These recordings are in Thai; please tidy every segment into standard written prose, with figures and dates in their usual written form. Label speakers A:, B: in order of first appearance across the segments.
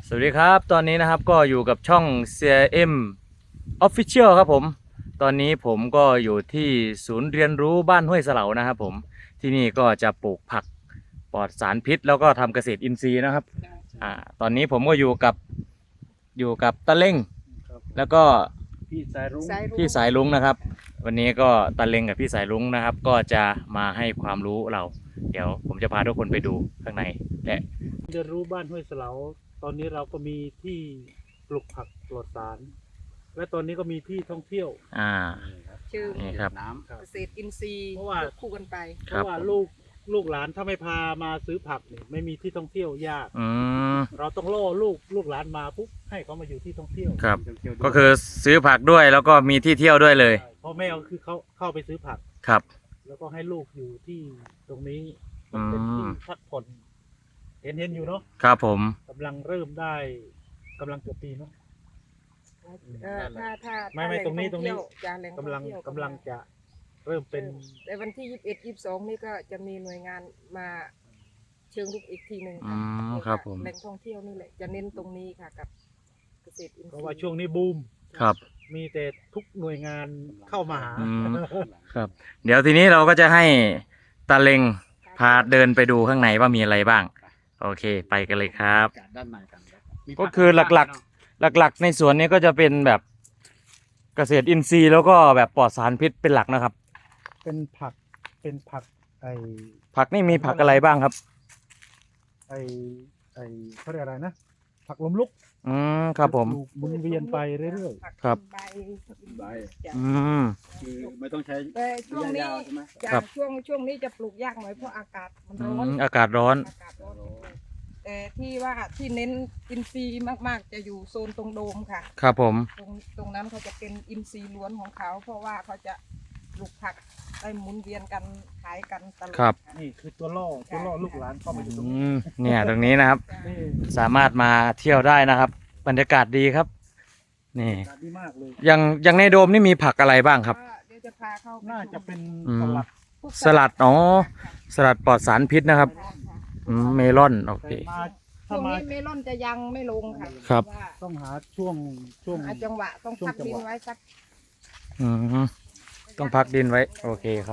A: สวัสดีครับตอนนี้นะครับก็อยู่กับช่อง CRM Official ครับผมตอนนี้ผมก็อยู่ที่ศูนย์เรียนรู้บ้านห้วยเสลานะครับผมที่นี่ก็จะปลูกผักปลอดสารพิษแล้วก็ทำเกษตรอินทรีย์นะครับตอนนี้ผมก็อยู่กับตะเล้งแล้วก็
B: พี่สายรุ้ง
A: พี่สายรุ้งนะครับวันนี้ก็ตะเล้งกับพี่สายรุ้งนะครับก็จะมาให้ความรู้เราเดี๋ยวผมจะพาทุกคนไปดูข้างในและ
B: เรียนรู้บ้านห้วยเสลาตอนนี้เราก็มีที่ปลูกผักปลอดสาร และตอนนี้ก็มีที่ท่องเที่ยว
C: ชื่อ
A: นี่ครับ
C: เกษตรอินทรีย์
B: เพราะว่า
C: คู่กันไป
B: เพราะว่าลูกหลานถ้าไม่พามาซื้อผักเนี่ยไม่มีที่ท่องเที่ยวยาก
A: อืม
B: เราต้องล่อลูกหลานมาปุ๊บให้เขามาอยู่ที่ท่องเที่ยว
A: ครับก็คือซื้อผักด้วยแล้วก็มีที่เที่ยวด้วยเลย
B: ใช่พ่อแม่ก็คือเขาเข้าไปซื้อผัก
A: ครับ
B: แล้วก็ให้ลูกอยู่ที่ตรงนี้มันเป็นที่พักผ่อนเห็นอยู่เนาะ
A: ครับผม
B: กำลังเริ่มได้กำลังเกือบปีเนาะ
C: ถ้า
B: ไม่
C: แหล่
B: ตรงนี้
C: ท่อเที่ยวจะแหล่งท่
B: กำลัง
C: เที่ยว
B: กำลังจะเริ่มเป็น
C: ในวันที่21-22นี่ก็จะมีหน่วยงานมาเชิงลุกอีกทีหนึ่ง
A: อืมครับผม
C: แหล่งท่องเที่ยวนี่แหละจะเน้นตรงนี้ค่ะกับเกษตรอินทรีย์
B: เพราะว่าช่วงนี้บูม
A: ครับ
B: มีแต่ทุกหน่วยงานเข้ามาหา
A: อืม ครับ เดี๋ยวทีนี้เราก็จะให้ตาเล็งพาเดินไปดูข้างในว่ามีอะไรบ้าง โอเค ไปกันเลยครับ
D: ด้านในกันมี
A: ก็คือหลักๆในสวนนี้ก็จะเป็นแบบเกษตรอินทรีย์แล้วก็แบบปลอดสารพิษเป็นหลักนะครับ
B: เป็นผักไอ
A: ผักนี่มีผักอะไรบ้างครับ
B: ไอเขาเรียกอะไรนะ ผักลมลุก
A: อืมครับผม
B: ปลูกหมุนเวียนไปเรื่อย
C: ผัก
A: ครับ
C: ใบ
D: ใบ
C: จ้ะ
A: อืม
D: คือไม่ต้องใช้
C: แต่ช่วงนี้
D: ยาวๆใช่ไหม
C: จ้ะ
A: ครับ
C: ช่วงนี้จะปลูกยากหน่อยเพราะอากาศมันร้อน
A: อากาศร้อน
C: อากาศร้อนแต่ที่ว่าที่เน้นอินทรีย์มากๆจะอยู่โซนตรงโดมค่ะ
A: ครับผม
C: ตรงนั้นเขาจะเป็นอินทรีย์ล้วนของเขา เพราะว่าเขาจะปลูกผักได้หมุนเวียนกันขายกันตลอด
A: ครับ
C: ะ
B: ๆ นี่คือตัวล่อลูกหลานเข้ามาอยู่ตรง
A: อื
B: นี้
A: มเนี่ยตรงนี้นะครับ
C: จ้ะ
B: นี่
A: สามารถมาเที่ยวได้นะครับ บรรยากาศดีครับ นี่
B: ดีมากเลย
A: อย่างในโดมนี่มีผักอะไรบ้างครับ
C: ก็เดี๋ยวจะพาเข้าไป
B: น่าจะเป็น
A: อืม
B: สลัด
C: พวก
A: สลัดอ๋อสลัดปลอดสารพิษนะครับ
C: ค่ะ
A: เมลอนโอเค
B: แต่มา
C: ช่
B: ถ้าว
C: ง
B: มา
C: นี้เมลอนจะยังไม่ลงค่ะ
A: ครับ
C: ว่า
B: ต้องหาช่วง
C: หาจังหวะต้อง
B: ช่วง
C: พัก
B: จัง
C: ดิ
B: ห
C: น
B: วะ
C: ไว้สัก
A: อืมต้องพักดินไว้ โอเคครับ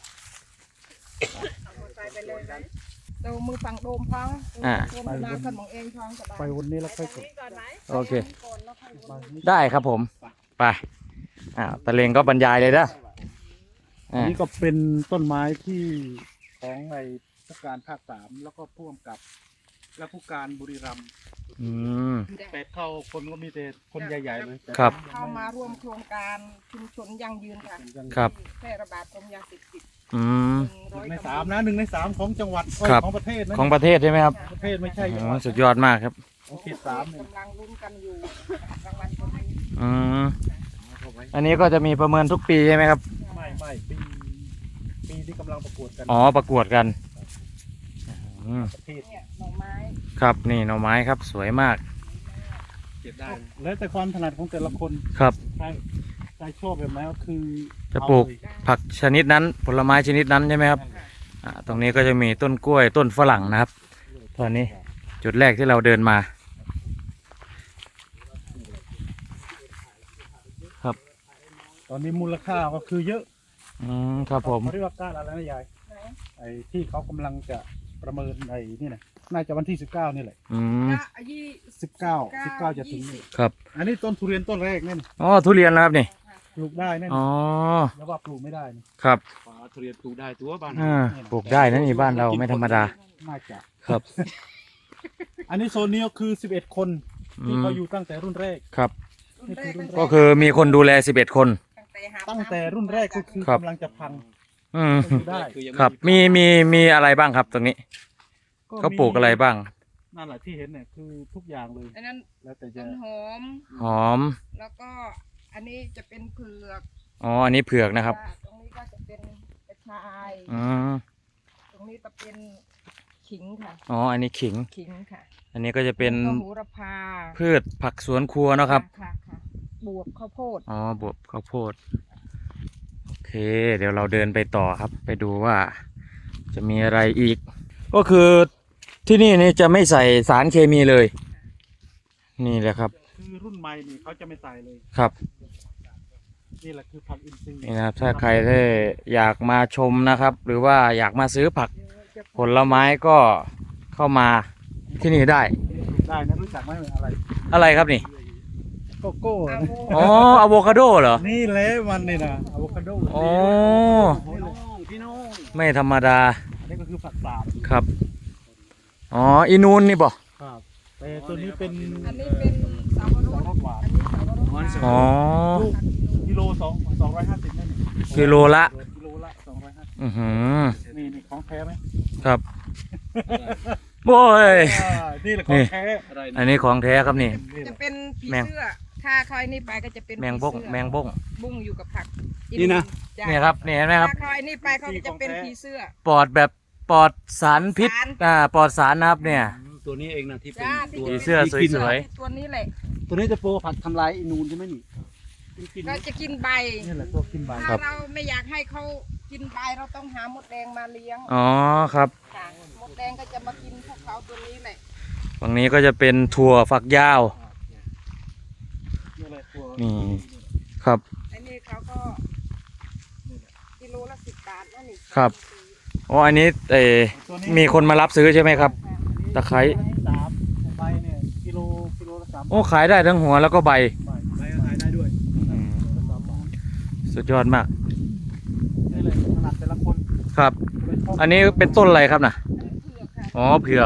C: ใส่ไปเลยนะเดี๋ยวมือฝั่งโดมพัง
A: อ่า
C: โดมมาขึ้นของเองพังสบาย
B: ไปวันนี้แล้วค่อยกด
A: โอเค
C: ก่อนแล้วค่อยวน
A: ได้ครับผม ไปตะเลงก็บรรยายเลยนะ
B: นี่ก็เป็นต้นไม้ที่ของไอ้ผู้การภาค3แล้วก็ผู้กำกับ และผู้การบุรีรัมย์
A: อืม
B: 8 เข้าคนก็มีแต่คนใหญ่ๆเลยแต่
A: ครับ
C: เข้ามาร่วมโครงการชุมชนยั่งยืนค่ะ
B: ยัง
A: ครับ
C: ที่แพร่ระบาดของยาเสพติด
A: อืม
C: 100
B: ใน3นะ1 ใน 3ของจังหวัด
A: ครับ
B: ของประเทศนะ
A: ของประเทศใช่ไหมครับ
B: ประเทศไม่ใช่จัง
A: อ๋
B: ห
A: อ
B: วัด
A: สุดยอดมากครับ
B: ของเขต3เนี่ย
C: กำลังลุ้นกันอยู่รางวัลคนนี้
A: อืม อันนี้ก็จะมีประเมินทุกปีใช่ไหมครับ
B: ไม่ปีที่กำลังประกวดกัน
A: อ๋อ ประกวดกันอืม
B: ประเทศ
C: เนี่ยหน่อไม้
A: ครับ นี่หน่อไม้ครับ สวยมาก
D: เก็บได้
B: แล้วแต่ความถนัดของแต่ละคน
A: ครับ
B: ใครชอบแบบไหนก็คือ
A: จะปลูก
B: เอาเย
A: ผักชนิดนั้น ผลไม้ชนิดนั้นใช่ไหมครับ ตรงนี้ก็จะมีต้นกล้วย ต้นฝรั่งนะครับ ตอนนี้จุดแรกที่เราเดินมา ครับ
B: ตอนนี้มูลค่าก็คือเยอะ
A: อืม ครับผม
B: เขาเรียกว่าก้านอะไรนะยาย
C: ไหน
B: ไอ้ที่เขากำลังจะประเมินไอ้นี่นะน่าจะวันที่19นี่แหละ
A: อืม
C: ก็ยี่
B: 19จะถึงนี่
A: ครับ
B: อันนี้ต้นทุเรียนต้นแรกนี่
A: อ๋อ ทุเรียนนะครับนี่
B: ปลูกได้แน่น
A: อ๋อ
B: แล้วว่าปลูกไม่ได้นี่
A: ครับ
D: ฝาทุเรียนปลูกได้ตัวบ้าน
A: ปลูกได้นะนี่บ้านเราไม่ธรรมดา
B: น่าจะ
A: ครับ
B: อันนี้โซนนี้ก็คือ11 คนที่เขาอยู่ตั้งแต่รุ่นแรก
A: ครับ
C: รุ่นแรก
A: ก็คือมีคนดูแล11 คน
B: ตั้งแต่รุ่นแรกก็คือ
A: ครับ
B: กำลังจะพัง
A: อืม
B: ก็อยู่ได้
D: คือยัง
A: ครับ มีอะไรบ้างครับตรงนี้ เขาปลูกอะไรบ้าง
B: นั่นแหละที่เห็นเนี่ยคือทุกอย่างเลย
C: อันนั้น
B: แล้วแต่จะ
C: ต้นหอม
A: หอม
C: แล้วก็อันนี้จะเป็นเผือก
A: อ๋อ อันนี้เผือกนะครับ
C: ตรงนี้ก็จะเป็นกระชาย
A: อืม
C: ตรงนี้จะเป็นขิงค่ะ
A: อ๋อ อันนี้ขิง
C: ขิงค่ะ
A: อันนี้ก็จะเป็น
C: แล้วก็โหระพา
A: พืชผักสวนครัวเนาะครับ
C: ค่ะบวบข้าวโพด
A: อ๋อ บวบข้าวโพด โอเค เดี๋ยวเราเดินไปต่อครับ ไปดูว่าจะมีอะไรอีก ก็คือที่นี่จะไม่ใส่สารเคมีเลยนี่แหละครับ
B: คือรุ่นใหม่นี่เขาจะไม่ใส่เลย
A: ครับ
B: นี่แหละคือผักอินทรีย์
A: นี่นะครับถ้าใครได้อยากมาชมนะครับ หรือว่าอยากมาซื้อผักผลไม้ก็เข้ามาที่นี่ได้
B: ได้นะรู้จักไหมอะไร
A: อะไรครับนี่
B: โกโก้
C: อะ
B: นะ
C: โว
A: อ๋ออะโวคาโดเหรอ
B: นี่แหละมันนี่นะอะโวคาโด
A: อ๋อ
B: พี่น้อง
A: ไม่ธรรมดา
B: อันนี้ก็คือผักสาบ
A: ครับ อ๋ออีนูนนี่บ่
B: ครับแต่ตัวนี้เป็น
C: อันนี้เป็นสาวร
B: สอง
C: ส
B: รสหวาน
C: อันนี้สาวรสหวาน
A: อ๋อ
B: ลูกกิโล250นั่นนี่
A: กิโลละ
B: กิโลละ250
A: อือหือ
B: นี่ของแท้ไหม
A: ครับโอ้ย
B: นี่แหละของแท้
D: อะไร
A: อั
D: นะ
A: นนี้ของแท้ครับนี่
B: นี่แห
C: จะ
B: ละ
C: เป็นผี
A: แมง
C: เสื้อ ถ้าคอยนี่ไปก็จะเป็น
A: แมงบ้ง
C: ผีเสื้อ
A: แมงบ้ง
C: บุ้งอยู่กับผัก
D: นี่นะ
C: จ้
A: เนี่ยครับนี่เห็นไหมครับ
C: ถ้าคอยนี่ไปเขาก็จะเป็นผีเสื้อ
A: ปลอดแบบปลอดสารพิษ
C: สาร
A: ปลอดสารนะครับเนี่ย
D: ตัวนี้เองนะที่เป็น
C: จ้า
D: ตัว
A: ผีเสื้อสวย
C: ตัวนี้แหละ
D: ตัวนี้จะโปรผัดทำลายอินูนใช่ไหมนี่กิน
C: ก็จะกินใบ
B: นี่แหละตัวกินใบ
C: ถ้าเราไม่อยากให้เขากินใบเราต้องหามดแดงมาเลี้ยง
A: อ๋อครับ
C: ค่ะมดแดงก็จะมากินพวกเขาตัวนี้แหละ
A: ฝั่งนี้ก็จะเป็นถั่วฝักยาว
B: นี่แหละตัว
A: นี่ครับ
C: อันนี้เขาก็กิโลละ10 บาทนั่นนี่
A: ครับ อ๋ออันนี้มีคนมารับซื้อใช่ไหมครับ ตะไคร้
B: 3ใบเนี่ยกิโลละ3
A: โอ้ขายได้ทั้งหัวแล้วก็ใบ
B: ใบ
D: ไปขายได้ด้วย
A: สุดยอดมาก
B: นี่เลยขนาดแต่ละคน
A: ครับ
B: เลยชอบ
A: อันนี้เป็นต้นอะไรครับน่ะ
C: เผือกค่ะ
A: อ๋อเผือก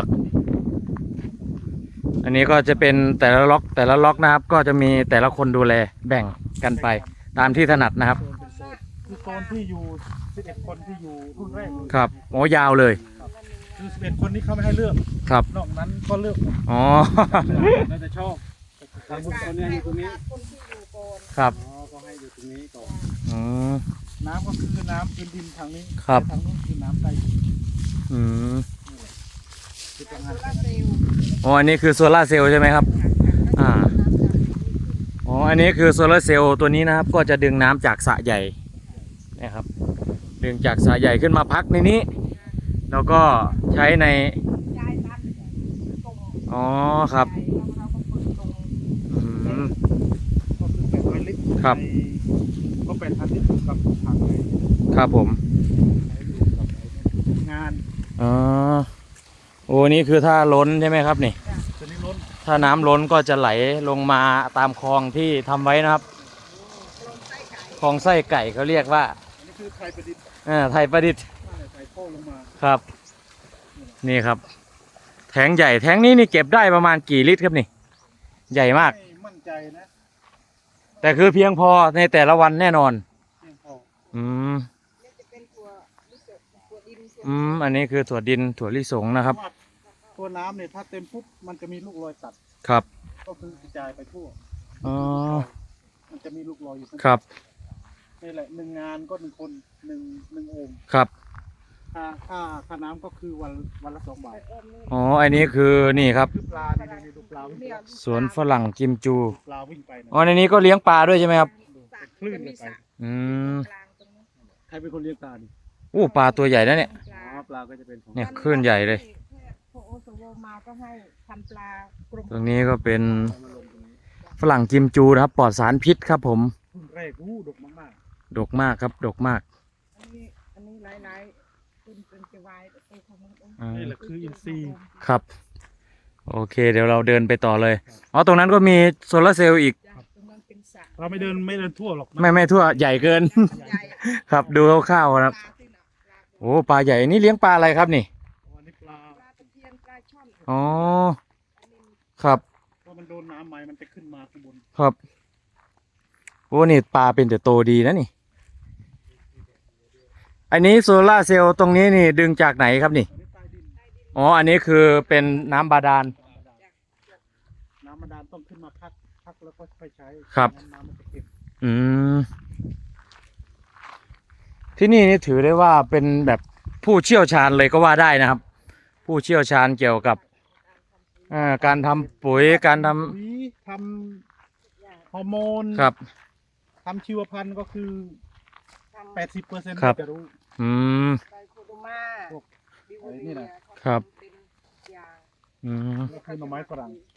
A: อันนี้ก็จะเป็นแต่ละล็อกนะครับ ก็จะมีแต่ละคนดูแลแบ่งกันไป ตามที่ถนัดนะครับ
B: คือโซนที่อยู่11คนที่อยู่รุ่นแรกเลย
A: ครับโอ้ยาวเลย
B: คือ11คนนี้เขาไม่ให้เลือก
A: ครับ
B: นอกนั้นก็เลือกหมด
A: อ๋อ
D: น่าจะชอบทางคนนี้อยู่ตรงนี้
C: คนที่อยู่ก่อน
A: ครับ
D: อ๋อก็ให้อยู่ตรงนี้ก่อน
A: อืม
B: น้ำก็คือน้ำพื้นดินทางนี้
A: ครับ
B: ทางนู้นคือน้ำใต้ดิน
A: อืม
B: คือ
C: โซ
B: ทำงาน
C: ลาร์เซลล์
A: อ๋ออันนี้คือโซลาร์เซลล์ใช่ไหมครับ อ่า อ๋อ อันนี้คือโซลาร์เซลล์ตัวนี้นะครับ ก็จะดึงน้ำจากสระใหญ่นะครับ ดึงจากสระใหญ่ขึ้นมาพักในนี้ แล้วก็ใช้ใน
C: ยายทำตรง
A: อ๋อครับ
C: แล้วเราก็เปิดตรง
A: อืม
B: ก็คือ800 ลิตร
A: ครับ
B: ก็8,000 ลิตรกับถังเลย
A: ครับผม
B: ใช้อยู่กับงาน
A: อ๋อ โอ้นี่คือถ้าล้นใช่ไหมครับนี่
B: ตัวนี้ล้น
A: ถ้าน้ำล้นก็จะไหลลงมาตามคลองที่ทำไว้นะครับ
C: ลงไส้ไก่
A: คลองไส้ไก่เขาเรียกว่า
B: อันนี้คือไทยประดิษฐ์
A: ไทยประดิษฐ์
B: ใส่โค้ลงมา
A: ครับ นี่ครับ แทงใหญ่แทงนี้นี่เก็บได้ประมาณกี่ลิตรครับนี่ ใหญ่มาก
B: ไม่มั่นใจนะ
A: แต่คือเพียงพอในแต่ละวันแน่นอน
B: เพียงพอ
A: อืม
C: นี่จะเป็นตัวลิเกตัวดินตัว
A: อันนี้คือถั่วดินถั่วลิสงนะครับ
B: เพาะว่าตัวน้ำเนี่ยถ้าเต็มปุ๊บมันจะมีลูกรอยตัด
A: ครับ
B: ก็คือกระจายไปทั่ว
A: อ๋อ
B: มันจะมีลูกรอยอยู่ข้าง
A: ครับ
B: นี่แหละ1 งานก็1 คนหนึ่งโอ่ง
A: ครับ
B: ค่าน้ำก็คือวันละ2 บาท
A: อ๋อ อันนี้คือนี่ครับ
B: คือปลานี่ดูปลาวิ่งไป
A: สวนฝรั่งกิมจู
B: ปลาวิ่งไปนะ
A: อ๋อ ในนี้ก็เลี้ยงปลาด้วยใช่ไหมครับ
B: คลื่นเลยไป
A: อืม
C: กลางตรงนี้
B: ใครเป็นคนเลี้ยงปลาดิ
A: อู้ปลาตัวใหญ่นะเนี่ย
C: ปลา
B: อ๋อปลาก็จะเป็นของ
A: เนี่ยคลื่นใหญ่เลย
C: พวกโอสโวมาก็ให้ทำปลากรม
A: ตรงนี้ก็เป็นฝรั่งกิมจูนะครับ ปลอดสารพิษครับผม
B: รุ่นแรกดกมาก
A: ดกมากครับ ดกมาก
C: อันนี้หลายๆเป็นจะวายไปของมัน
A: อ่า
B: ๆนี่แหละคืออินทรีย์
A: ครับ โอเค เดี๋ยวเราเดินไปต่อเลย อ๋อ ตรงนั้นก็มีโซลาร์เซลล์อีก
C: จ้ะตรงนั้นเป็นสระ
B: เราไม่เดินทั่วหรอกนะ
A: ไม่ทั่วใหญ่เกิน
C: ใหญ่
A: ครับ ดูคร่าวๆครับ
C: ปลาที่น่ะปลา
A: โอ้ ปลาใหญ่นี่เลี้ยงปลาอะไรครับนี่
B: อันนี้ปลา
C: ปลาตะเพียนปลาช่อน
A: อ๋อ ครับ
B: พอมันโดนน้ำไหมมันจะขึ้นมาข้างบน
A: ครับ โอ้นี่ปลาเป็นแต่โตดีนะนี่ อันนี้โซล่าร์เซลล์ตรงนี้นี่ดึงจากไหนครับนี่
B: อันนี้ใต้ดิน
A: อ๋อ อันนี้คือเป็นน้ำบาดาล
B: น้ำมันดานต้องขึ้นมาพักแล้วก็ค่อยใช้
A: ครับ
B: น้ำมันจะเก็บ
A: อืม ที่นี่นี่ถือได้ว่าเป็นแบบผู้เชี่ยวชาญเลยก็ว่าได้นะครับ ผู้เชี่ยวชาญเกี่ยวกับการทำปุ๋ยการท
B: ปุ๋ยทำฮอร์โมน
A: ำครับ
B: ทำชีวพันธุ์ก็คือ 80%
A: ครับ
B: จะรู้
A: อืม
C: ไตรโคโดมา
B: พวก
C: บิว
B: นี่
C: เรี
B: นะ
C: ย
A: ครับ
C: เป็นยาง
A: อืม
B: ก็คือหน่อไม้ฝรั่ง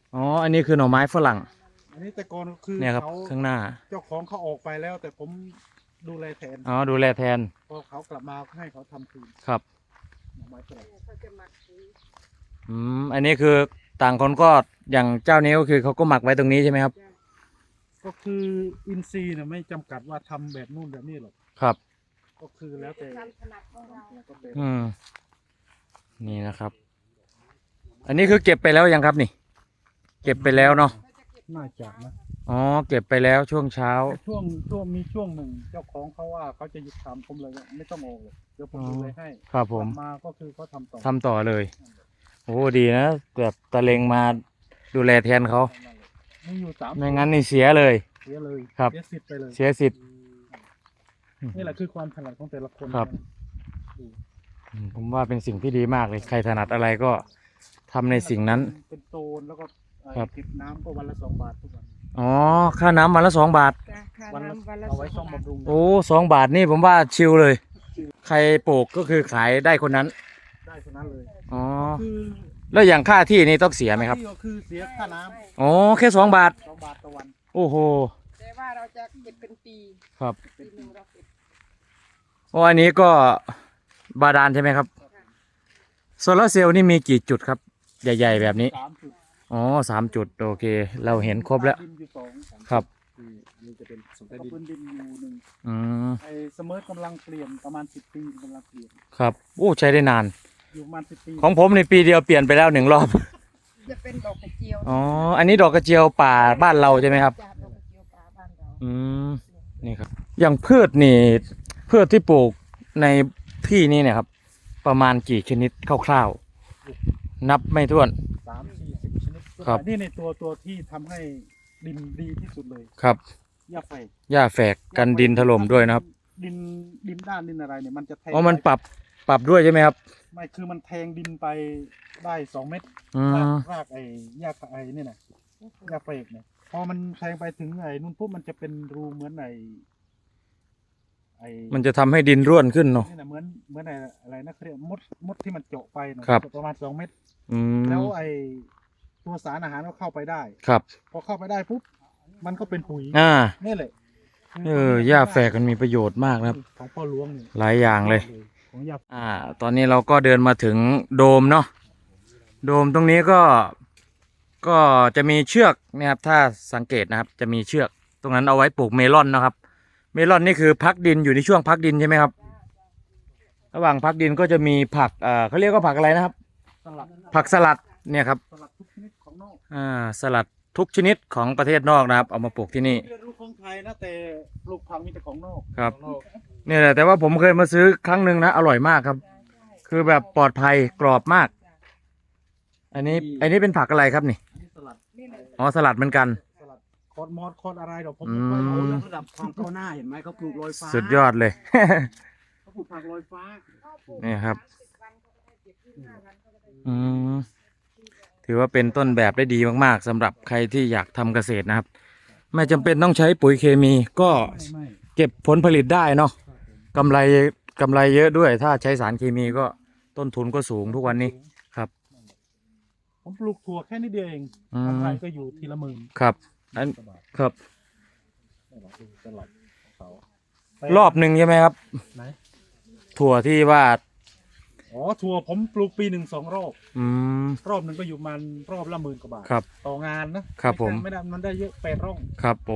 A: อ๋ออันนี้คือหน่อไม้ฝรั่ง
B: อันนี้แต่ก่อนคือ
A: เนี่ยครับ
B: เขา
A: ข้างหน้า
B: เจ้าของเขาออกไปแล้ว แต่ผมดูแลแทน
A: อ๋อดูแลแทน
B: พอเขากลับมาก็ให้เขาทำคืน
A: ครับ
B: หน่อไม้ฝรั่ง
C: เขาจะหมักปุ๋ย
A: อันนี้คือต่างคนก็อย่างเจ้านี้ก็คือเขาก็หมักไว้ตรงนี้ใช่ไหมครับ
B: ก็คืออินทรีย์เนี่ยไม่จำกัดว่าทำแบบนู่นแบบนี้หรอก
A: ครับ
B: ก็คือแล้วแต่
C: ความถนัดของเรา
B: ก็เป็น
A: นี่นะครับ อันนี้คือเก็บไปแล้วยังครับนี่ เก็บไปแล้วเนาะ
B: น่าจะนะ
A: อ๋อเก็บไปแล้วช่วงเช้า
B: แต่ช่วงมีช่วงหนึ่งเจ้าของเขาว่าเขาจะหยุดทำผมเลยว่าไม่ต้องออกเลยเดี๋ยวผมดูแลให้
A: ครับผม
B: กลับมาก็คือเขาทำต่อ
A: ทำต่อเลย โอ้ดีนะแบบตะเลงมาดูแลแทนเขา
B: มีอยู่สาม
A: ไม่งั้นนี่เสียเลย
B: เสียเลย
A: ครับ
B: เสียสิทธิ์ไปเลย
A: เสียสิทธิ์
B: นี่แหละคือความถนัดของแต่ละคน
A: ครับ ผมว่าเป็นสิ่งที่ดีมากเลย ใครถนัดอะไรก็ทำในสิ่งนั้น
B: เป็นโซนแล้วก็
A: ครับ
B: เก็บน้ำก็วันละ2 บาททุกวัน
A: อ๋อ ค่าน้ำวันละ2 บาท
C: จ้ะค่า
B: วันละ
C: น้ำวันละ
B: เอาไว้
C: 2
B: ซ่อม
C: บาท
B: บำรุง
A: โอ้2 บาทนี่ผมว่าชิลเลย ใครปลูกก็คือขายได้คนนั้น
B: ได้เท่านั้นเลย
A: อ๋อ
B: คือ
A: แล้วอย่างค่าที่นี่ต้องเสียไหมครับ
B: ที่ก็คือเสียค่าน้
A: อ๋อ แค่2 บาท
B: ำ2 บาทต่อวัน
A: โอ้โห
C: แต่ว่าเราจะเก็บเป็นปี
A: ครับ
C: ปีหนึ่งเราเก็บ
A: โอ้อันนี้ก็บาดาลใช่ไหมครับ โซลาร์เซลล์นี่มีกี่จุดครับ ใหญ่ๆแบบนี้
B: 3 จุด
A: อ๋อ3 จุด โอเค เราเห็นครบแล้ว
B: ดินอยู่2
A: ครับ
D: นี่จะเป็นสม
B: แล้
D: ใต้
B: วก็
D: ดิน
B: พื้นดินอยู่หนึ่ง
A: อืม
B: ไอ้เสมอกำลังเปลี่ยนประมาณ10 ปีกำลังเปลี่ยน
A: ครับ โอ้ ใช้ได้นาน
B: อยู่ประมาณ10 ปี
A: ของผมในปีเดียวเปลี่ยนไปแล้ว1 รอบ
C: จะเป็นดอกกระเจียว
A: อ๋อ อันนี้ดอกกระเจียวป่าบ้านเราใช่ไหมครับ
C: จ้ะดอกกระเจียวป่าบ้านเรา
A: อืม นี่ครับ อย่างพืชนี่ พืชที่ปลูกในที่นี้เนี่ยครับ ประมาณกี่ชนิดคร่าวๆ นับไม่ถ้วน
B: 30-40 ชนิด
A: ครับ
B: นี่ในตัวที่ทำให้ดินดีที่สุดเลย
A: ครับ
B: หญ้าไฟ
A: หญ้าแฝกกันดินถล่มด้วยนะครับ
B: ดินด้านดินอะไรเนี่ยมันจะแทง
A: อ๋อ มันปรับด้วยใช่ไหมครับ
B: ไม่คือมันแทงดินไปได้2 เมตร
A: อืม
B: รากไอ้หญ้าไอ้นี่นะหญ้าเฟกเนี่ยพอมันแทงไปถึงไอ้นู่นปุ๊บมันจะเป็นรูเหมือนไอ้
A: มันจะทำให้ดินร่วนขึ้นเนาะ
B: นี่นะเหมือนไอ้อะไรนะเขาเรียกมดที่มันเจาะไปเนอะ
A: ครับ
B: ประมาณ2 เมตร
A: อืม
B: แล้วไอ้ตัวสารอาหารก็เข้าไปได้
A: ครับ
B: พอเข้าไปได้ปุ๊บมันก็เป็นปุ๋ย
A: อ่า
B: นี่แหละ
A: หญ้าแฝกมันมีประโยชน์มากนะครับ
B: ของพ่อหลวงเนี่ย
A: หลายอย่างเลย
B: ของหญ้า
A: ตอนนี้เราก็เดินมาถึงโดมเนาะ โดมตรงนี้ก็จะมีเชือกนะครับถ้าสังเกตนะครับ จะมีเชือกตรงนั้นเอาไว้ปลูกเมลอนนะครับ เมลอนนี่คือพักดินอยู่ในช่วงพักดินใช่ไหมครับ ระหว่างพักดินก็จะมีผักเขาเรียกว่าผักอะไรนะครับ
B: สลัด
A: ผักสลัดเนี่ยครับ
B: สลัดทุกชนิดของนอก
A: สลัดทุกชนิดของประเทศนอกนะครับ เอามาปลูกที่นี่
B: เรียนรู้ของไทยนะแต่ปลูกผักมีแต่ของนอก
A: ครับเนี่ยแหละแต่ว่าผมเคยมาซื้อครั้งหนึ่งนะอร่อยมากครับ คือแบบปลอดภัยกรอบมาก อันนี้เป็นผักอะไรครับนี่
B: อันนี้สลัด
C: นี่แหละ
A: อ๋อสลัดเหมือนกัน
B: สลัดคอร์ดมอสคอร์ดอะไรเดี๋ยวผม
A: อืม
B: ไม่รู้
D: เขาย
B: นะ
D: กระดับความก้าวหน้าเห็นไหมเขาปลูกลอยฟ้า
A: สุดยอดเลย
D: เขาปลูกผักลอยฟ้า
A: นี่ครับ
C: 30 วันเขาก็ได้เก็บ25 วันเขาก็ได้
A: อืมถือว่าเป็นต้นแบบได้ดีมากๆสำหรับใครที่อยากทำเกษตรนะครับ ไม่จำเป็นต้องใช้ปุ๋ยเคมีก็
B: ไม่
A: เก็บผลผลิตได้เนาะกำไรเยอะด้วย ถ้าใช้สารเคมีก็ต้นทุนก็สูงทุกวันนี้ครับ
B: ผมปลูกถั่วแค่นิดเดียวเอง
A: อืม
B: กำไรก็อยู่ทีละหมื่น
A: ครับอัน
B: กว่าบาท
A: ครับ
B: นี่แหละคือสลัดของเขา
A: รอบหนึ่งใช่ไหมครับ
B: ไหน
A: ถั่วที่ว่า
B: อ๋อถั่วผมปลูกปีหนึ่ง2 รอบ
A: อืม
B: รอบหนึ่งก็อยู่มันรอบละ10,000 กว่าบาท
A: ครับ
B: ต่องานนะครับ
A: ผม
B: ไม่ได้มันได้เยอะ8 ร่อง
A: ครับโอ้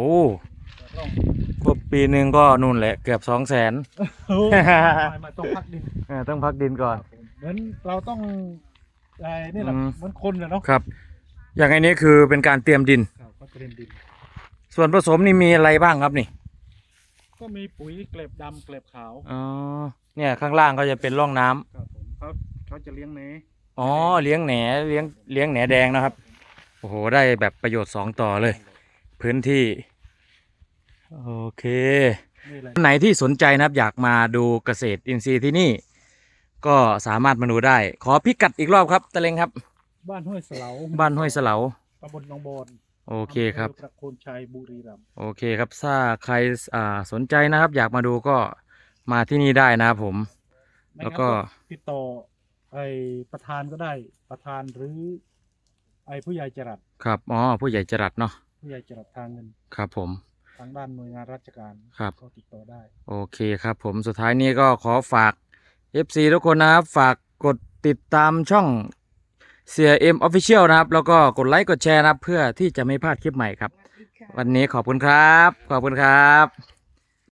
B: 8 ร่อง
A: ก็ปีหนึ่งก็นู่นแหละเกือบ200,000
B: โอ้ไม่ต้องพักดิน
A: ต้องพักดินก่อน
B: เหมือนเราต้องไอ้นี่แหละ
A: อืม
B: เหมือนคนเลยเนาะ
A: ครับ อย่างอันนี้คือเป็นการเตรียมดิน
B: ครับก็เตรียมดิน
A: ส่วนผสมนี่มีอะไรบ้างครับนี่
B: ก็มีปุ๋ยเกล็บดำเกล็บขาว
A: อ๋อเนี่ยข้างล่างก็จะเป็นร่องน้ำ
B: ครับผมเขาจะเลี้ยงเน
A: อ๋อเลี้ยงแหนเลี้ยงแหนแดงนะครับโอ้โหได้แบบประโยชน์2 ต่อเลย พื้นที่โอเค
B: นี่แหละ
A: ไหนที่สนใจนะครับอยากมาดูเกษตรอินทรีย์ที่นี่ ก็สามารถมาดูได้ ขอพิกัดอีกรอบครับตะเลงครับ
B: บ้านห้วยเสลา
A: บ้านห้วยเสลา
B: ตำบลหนองบอน
A: โอเคครับ
B: อำภอประโคนชัยบุรีรัมย์
A: โอเคครับถ้าใครสนใจนะครับ อยากมาดูก็มาที่นี่ได้นะครับผม
B: ไม่
A: แล้ว
B: งั้น
A: ก็
B: ติดต่อไอ้ประธานก็ได้ประธานหรือไอ้ผู้ใหญ่จรัส
A: ครับอ๋อผู้ใหญ่จรัสเนาะ
B: ผู้ใหญ่จะรับทางเงิน
A: ครับผม
B: ทางด้านหน่วยงานราชการ
A: ครับ
B: ก็ติดต่อได้
A: โอเคครับผมสุดท้ายนี้ก็ขอฝาก FC ทุกคนนะครับฝากกดติดตามช่องเสียเอ็มออฟฟิเชียลนะครับแล้วก็กดไลค์กดแชร์นะครับเพื่อที่จะไม่พลาดคลิปใหม่ครับ
C: สวัสดีค่ะ
A: วันนี้ขอบคุณครับขอบคุณครับ